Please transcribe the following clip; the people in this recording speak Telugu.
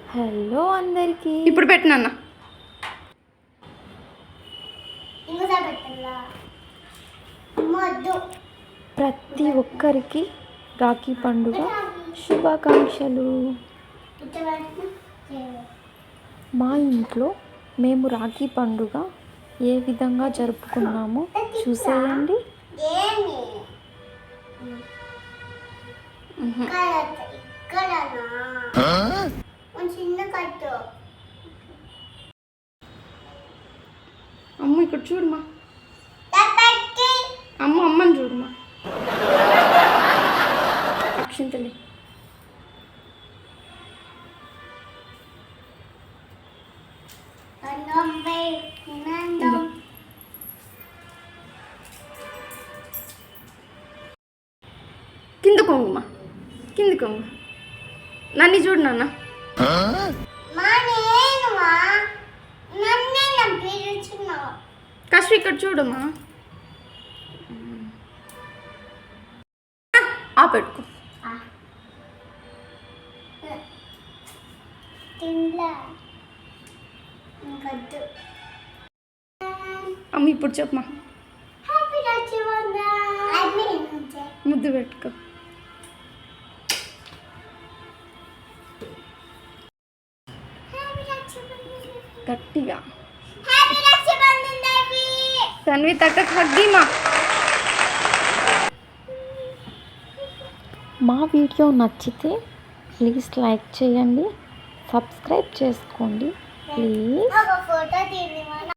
హలో అందరికీ. ఇప్పుడు పెట్టినన్న ప్రతి ఒక్కరికి రాఖీ పండుగ శుభాకాంక్షలు. మా ఇంట్లో మేము రాఖీ పండుగ ఏ విధంగా జరుపుకున్నామో చూసేయండి. అమ్మ ఇక్కడ చూడమ్మా, అమ్మని చూడమ్మా. అక్షింతలే కింద కొంగుమా, కింది కొంగు. నన్ను చూడు నాన్న. కష్ట ఇక్కడ చూడమ్మా. పెట్టుకో. అమ్మ ఇప్పుడు చెప్పమా. ముద్దు పెట్టుకో. గట్టిగా తన్వి తక్కకు హగ్గిమా. మా వీడియో నచ్చితే ప్లీజ్ లైక్ చేయండి, సబ్స్క్రైబ్ చేసుకోండి ప్లీజ్.